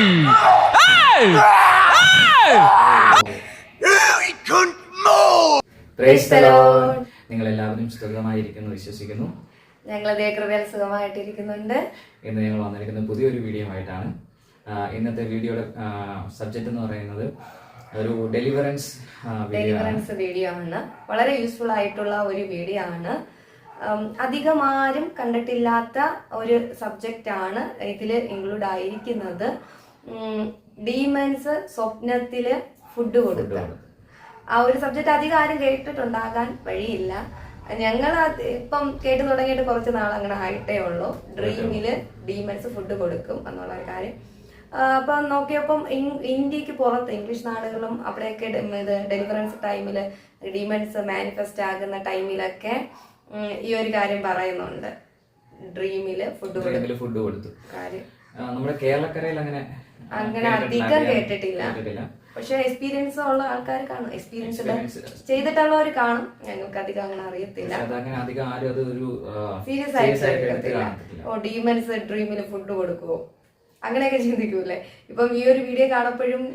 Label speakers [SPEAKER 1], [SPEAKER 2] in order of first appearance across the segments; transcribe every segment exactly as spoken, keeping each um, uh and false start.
[SPEAKER 1] നിങ്ങൾ എല്ലാവരും സുഖമായിരിക്കുന്നു വിശ്വസിക്കുന്നു.
[SPEAKER 2] ഞങ്ങൾ ദൈവകൃപയാൽ സുഖമായിട്ടിരിക്കുന്നുണ്ട്.
[SPEAKER 1] ഇന്ന് ഞങ്ങൾ വന്നിരിക്കുന്ന പുതിയൊരു വീഡിയോ ആയിട്ടാണ്. ഇന്നത്തെ വീഡിയോയുടെ സബ്ജക്റ്റ് എന്ന് പറയുന്നത് ഒരു ഡെലിവറൻസ്
[SPEAKER 2] ഡെലിവറൻസ് വീഡിയോ ആണ്. വളരെ യൂസ്ഫുൾ ആയിട്ടുള്ള ഒരു വീഡിയോ ആണ്. അധികം ആരും കണ്ടിട്ടില്ലാത്ത ഒരു സബ്ജക്റ്റ് ആണ് ഇതിൽ ഇൻക്ലൂഡ് ആയിരിക്കുന്നത്. ഡീമൻസ് സ്വപ്നത്തില് ഫുഡ് കൊടുക്കുക. ആ ഒരു സബ്ജക്റ്റ് അധികം ആരും കേട്ടിട്ടുണ്ടാകാൻ വഴിയില്ല. ഞങ്ങൾ ഇപ്പം കേട്ടു തുടങ്ങിയിട്ട് കുറച്ച് നാൾ അങ്ങനെ ആയിട്ടേ ഉള്ളൂ. ഡ്രീമില് ഡീമൻസ് ഫുഡ് കൊടുക്കും എന്നുള്ള ഒരു കാര്യം. അപ്പം നോക്കിയപ്പം ഇന്ത്യക്ക് പുറത്ത് ഇംഗ്ലീഷ് നാടുകളും അവിടെയൊക്കെ ഇത് ഡെലിവറൻസ് ടൈമില് ഡീമൻസ് മാനിഫെസ്റ്റ് ആകുന്ന ടൈമിലൊക്കെ ഈ ഒരു കാര്യം പറയുന്നുണ്ട്. ഡ്രീമില് ഫുഡ് കൊടുക്കും
[SPEAKER 1] ഫുഡ് കൊടുത്തു
[SPEAKER 2] കാര്യം
[SPEAKER 1] നമ്മുടെ കേരളക്കരയിൽ അങ്ങനെ
[SPEAKER 2] അങ്ങനെ അധികം കേട്ടിട്ടില്ല. പക്ഷെ എക്സ്പീരിയൻസ് ഉള്ള ആൾക്കാർ കാണും, എക്സ്പീരിയൻസ് ചെയ്തിട്ടുള്ളവർ കാണും. ഞങ്ങൾക്ക് അധികം അങ്ങനെ അറിയത്തില്ല, സീരിയസ് ആയിട്ട് എടുക്കത്തില്ല. ഓ ഡീമൻസ് ഡ്രീമില് ഫുഡ് കൊടുക്കുവോ അങ്ങനെയൊക്കെ ചിന്തിക്കൂലേ. ഇപ്പം ഈ ഒരു വീഡിയോ കാണപ്പോഴും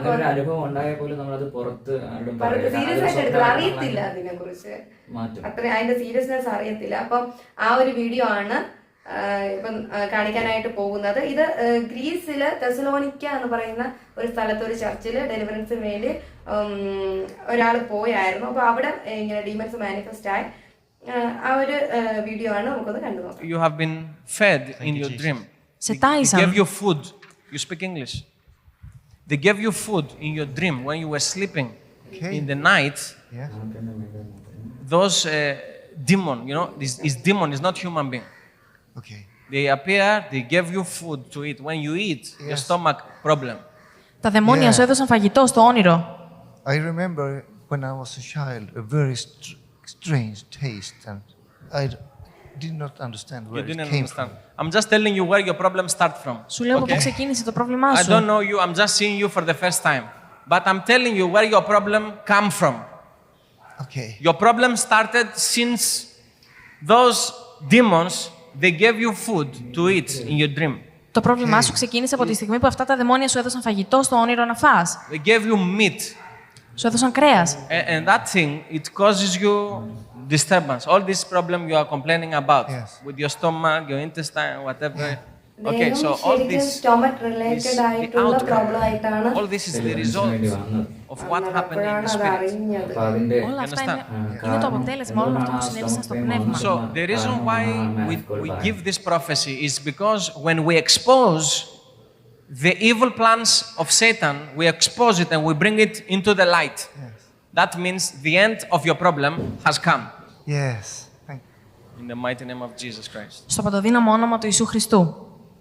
[SPEAKER 2] സീരിയസ് ആയിട്ട് എടുക്കില്ല, അറിയത്തില്ല അതിനെ കുറിച്ച് അത്ര അതിന്റെ സീരിയസ്നെസ് അറിയത്തില്ല. അപ്പം ആ ഒരു വീഡിയോ ആണ് ഇപ്പം കാണിക്കാനായിട്ട് പോകുന്നത്. ഇത് ഗ്രീസില് തെസലോനിക്ക എന്ന് പറയുന്ന ഒരു സ്ഥലത്ത് ഒരു ചർച്ചില് ഡെലിവറൻസിന് വേണ്ടി ഒരാൾ പോയായിരുന്നു. അപ്പൊ അവിടെ ഇങ്ങനെ ഡീമൻസ് മാനിഫെസ്റ്റ് ആയി ആ ഒരു വീഡിയോ ആണ്. നമുക്കൊന്ന് കണ്ടു നോക്കാം.
[SPEAKER 3] You have been fed in your dream. They gave you food. You speak English. They gave you food in your dream when you were sleeping. Okay. In the night. Yeah. Those uh, demon, you know, this is demon, is not human being.
[SPEAKER 4] Okay.
[SPEAKER 3] They appear, they give you food to eat. When you eat, yes. Your stomach problem.
[SPEAKER 5] Τα δαιμόνια σου έδωσαν φαγητό στο όνειρο.
[SPEAKER 4] I remember when I was a child, a very str- strange taste, and I did not understand where
[SPEAKER 3] you
[SPEAKER 4] it
[SPEAKER 3] didn't
[SPEAKER 4] came
[SPEAKER 3] understand.
[SPEAKER 4] from.
[SPEAKER 3] I'm just telling you where your problems start from.
[SPEAKER 5] Σου λέω από πού ξεκίνησε το πρόβλημά σου.
[SPEAKER 3] I don't know you, I'm just seeing you for the first time. But I'm telling you where your problem come from.
[SPEAKER 4] Okay.
[SPEAKER 3] Your problem started since those demons, they gave you food to eat in your dream.
[SPEAKER 5] Το πρόβλημά σου ξεκίνησε από τη στιγμή που αυτά τα δαιμόνια σου έδωσαν φαγητό στο όνειρο να φας.
[SPEAKER 3] They gave you meat.
[SPEAKER 5] Σου έδωσαν κρέας.
[SPEAKER 3] And, and that thing, it causes you disturbance. All this problem you are complaining about,
[SPEAKER 4] yes.
[SPEAKER 3] With your stomach, your intestine, whatever.
[SPEAKER 4] Yeah.
[SPEAKER 3] Okay, so all this
[SPEAKER 2] stomach related ആയിട്ടുള്ള problem ആയിട്ടാണ്.
[SPEAKER 3] All this is the result of what happened in the spirit.
[SPEAKER 5] Όλα αυτά είναι, είναι το αποτέλεσμα όλων αυτών που συνέβησαν στο πνεύμα.
[SPEAKER 3] So the reason why we, we give this prophecy is because when we expose the evil plans of Satan, we expose it and we bring it into the light.
[SPEAKER 4] Yes.
[SPEAKER 3] That means the end of your problem has come.
[SPEAKER 4] Yes. Thank you.
[SPEAKER 3] In the mighty name of Jesus Christ.
[SPEAKER 5] Στο παντοδύναμο όνομα του Ιησού Χριστού.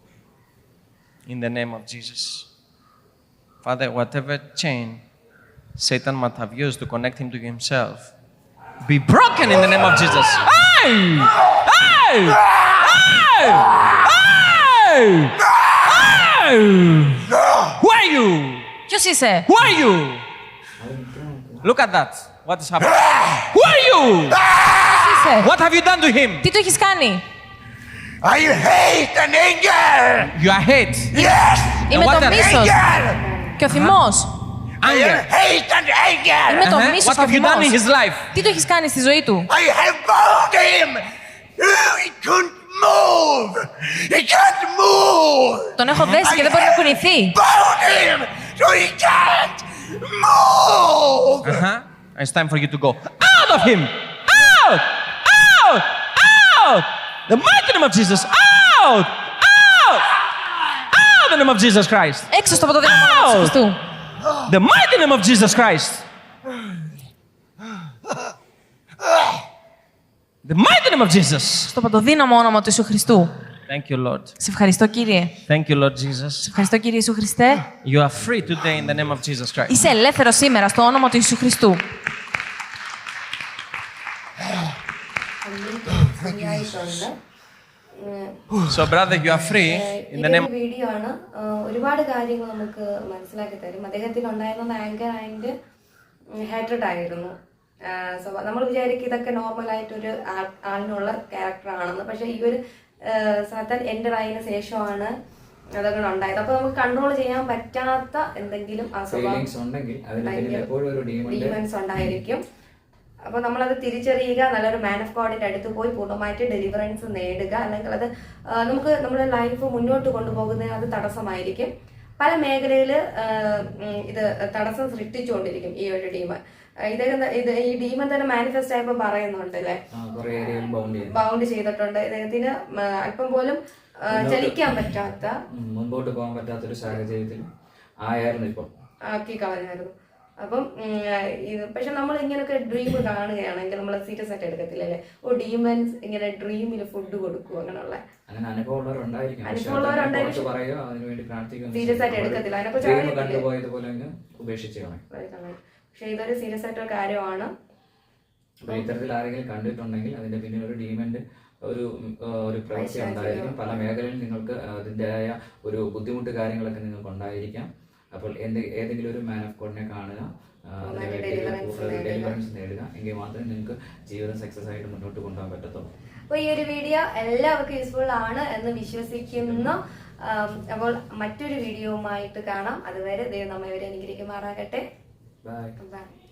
[SPEAKER 3] In the name of Jesus. Father, whatever chain Satan might have used to connect him to himself, be broken in the name of Jesus. Hey! Hey! Hey! Hey! Hey! Who are you?
[SPEAKER 5] Ποιος είσαι?
[SPEAKER 3] Who are you? Look at that. What is happening? Who are you?
[SPEAKER 5] Ποιος είσαι?
[SPEAKER 3] What have you done to him?
[SPEAKER 5] Τι του έχεις κάνει?
[SPEAKER 4] I hate and anger.
[SPEAKER 3] You are hate.
[SPEAKER 4] Yes.
[SPEAKER 5] Είμαι το μίσος και ο θυμός.
[SPEAKER 4] I hate and anger.
[SPEAKER 5] Είμαι το
[SPEAKER 3] Uh-huh.
[SPEAKER 5] μίσος
[SPEAKER 3] What
[SPEAKER 5] και ο
[SPEAKER 3] have you done in
[SPEAKER 5] θυμός.
[SPEAKER 3] his life?
[SPEAKER 5] Τι του έχεις κάνει στη ζωή του?
[SPEAKER 4] I have bound him. He couldn't move. He can't move.
[SPEAKER 5] Τον έχω δέσει και δεν μπορεί να κουνηθεί.
[SPEAKER 4] Bound him so he can't move.
[SPEAKER 3] Uh-huh. It's time for you to go out of him. Out! Out! Out! The mighty name of Jesus. Out! Out! Out! The name of Jesus Christ.
[SPEAKER 5] Έξω στο παντοδύναμο όνομα του Χριστού.
[SPEAKER 3] The mighty name of Jesus Christ. The mighty name of Jesus.
[SPEAKER 5] Στο παντοδύναμο όνομα του Ιησού Χριστού.
[SPEAKER 3] Thank you, Lord.
[SPEAKER 5] Σε ευχαριστώ, Κύριε.
[SPEAKER 3] Thank you, Lord Jesus.
[SPEAKER 5] Σε ευχαριστώ, Κύριε Ιησού Χριστέ.
[SPEAKER 3] You are free today in the name of Jesus Christ.
[SPEAKER 5] Είσαι ελεύθερος σήμερα στο όνομα του Ιησού Χριστού.
[SPEAKER 3] So, brother, you are free in the name.
[SPEAKER 2] Video ആണ്. ഒരുപാട് കാര്യങ്ങൾ നമുക്ക് മനസ്സിലാക്കി തരും. അദ്ദേഹത്തിന് ഉണ്ടായിരുന്ന anchor and ഹാട്രഡ് ആയിരുന്നു. So നമ്മൾ വിചാരിക്കും ഇതൊക്കെ നോർമൽ ആയിട്ടൊരു ആളിനുള്ള ക്യാരക്ടർ ആണെന്ന്. പക്ഷെ ഈ ഒരു സാത്താൻ എൻ്റർ ആയതിനു ശേഷമാണ് അതൊക്കെ ഉണ്ടായത്. അപ്പൊ നമുക്ക് കൺട്രോൾ ചെയ്യാൻ പറ്റാത്ത എന്തെങ്കിലും ആ
[SPEAKER 1] ഫീലിങ്സ് ഉണ്ടെങ്കിൽ അതിന് പിന്നിൽ എപ്പോഴും ഒരു ഡീമണ്ട്
[SPEAKER 2] ഡീമൻസ് ഉണ്ടായിരിക്കും. അപ്പൊ നമ്മളത് തിരിച്ചറിയുക, നല്ലൊരു മാൻ ഓഫ് ഗോഡിന്റെ അടുത്ത് പോയി പൂർണ്ണമായിട്ട് ഡെലിവറൻസ് നേടുക. അല്ലെങ്കിൽ അത് നമുക്ക് നമ്മുടെ ലൈഫ് മുന്നോട്ട് കൊണ്ടുപോകുന്നതിന് അത് തടസ്സമായിരിക്കും. പല മേഖലയിൽ ഇത് തടസ്സം സൃഷ്ടിച്ചുകൊണ്ടിരിക്കും ഈ ഒരു ഡീമൻ. ഇദ്ദേഹം ഇത് ഈ ഡീമൻ തന്നെ മാനിഫെസ്റ്റ് ആയപ്പോൾ പറയുന്നുണ്ട് അല്ലെ, ബൗണ്ട് ചെയ്തിട്ടുണ്ട്. ഇദ്ദേഹത്തിന് അല്പം പോലും ചലിക്കാൻ പറ്റാത്ത,
[SPEAKER 1] മുൻപോട്ട് പോകാൻ പറ്റാത്തൊരു സാഹചര്യത്തിൽ ആയിരുന്നു ഇപ്പം
[SPEAKER 2] ആക്കി കളഞ്ഞായിരുന്നു. അപ്പം ഇത് പക്ഷെ നമ്മൾ ഇങ്ങനെയൊക്കെ ഡ്രീം കാണുകയാണെങ്കിൽ നമ്മൾ സീരിയസ് ആയിട്ട് എടുക്കത്തില്ലല്ലേ. ഓ ഡീമൻസ് ഇങ്ങനെ ഡ്രീമിൽ ഫുഡ് കൊടുക്കും അങ്ങനെയുള്ള
[SPEAKER 1] അങ്ങനെ അനുഭവമുള്ളവരുണ്ടായിരിക്കും.
[SPEAKER 2] സീരിയസ് ആയിട്ട് എടുക്കത്തില്ല,
[SPEAKER 1] അതിനെക്കുറിച്ച് ഉപേക്ഷിച്ച് കളയും.
[SPEAKER 2] പക്ഷെ ഇതൊരു സീരിയസ് ആയിട്ടൊരു കാര്യമാണ്.
[SPEAKER 1] അപ്പൊ ഇത്തരത്തിൽ ആരെങ്കിലും കണ്ടിട്ടുണ്ടെങ്കിൽ അതിന്റെ പിന്നിൽ ഒരു ഡീമന്റ് ഒരു ഒരു പ്രവൃത്തി ഉണ്ടായിരിക്കും. പല മേഖലയിൽ നിങ്ങൾക്ക് അതിൻ്റെതായ ഒരു ബുദ്ധിമുട്ട് കാര്യങ്ങളൊക്കെ നിങ്ങൾക്ക് ഉണ്ടായിരിക്കാം. അപ്പോൾ എന്ത് ഏതെങ്കിലും ഒരു മാൻ ഓഫ് ഗോഡിനെ കാണുക, ഡെലിവറൻസ് നേടുക, എങ്കിൽ മാത്രമേ നിങ്ങൾക്ക് ജീവിതം സക്സസ് ആയിട്ട് മുന്നോട്ട് കൊണ്ടുപോകാൻ പറ്റത്തുള്ളൂ.
[SPEAKER 2] അപ്പോൾ ഈ ഒരു വീഡിയോ എല്ലാവർക്കും യൂസ്ഫുൾ ആണ് എന്ന് വിശ്വസിക്കുന്നു. അപ്പോൾ മറ്റൊരു വീഡിയോവുമായിട്ട് കാണാം. അതുവരെ ദൈവം നമ്മെ ഇവരെ അനുഗ്രഹിക്കുമാറാകട്ടെ.
[SPEAKER 1] Bye
[SPEAKER 2] by.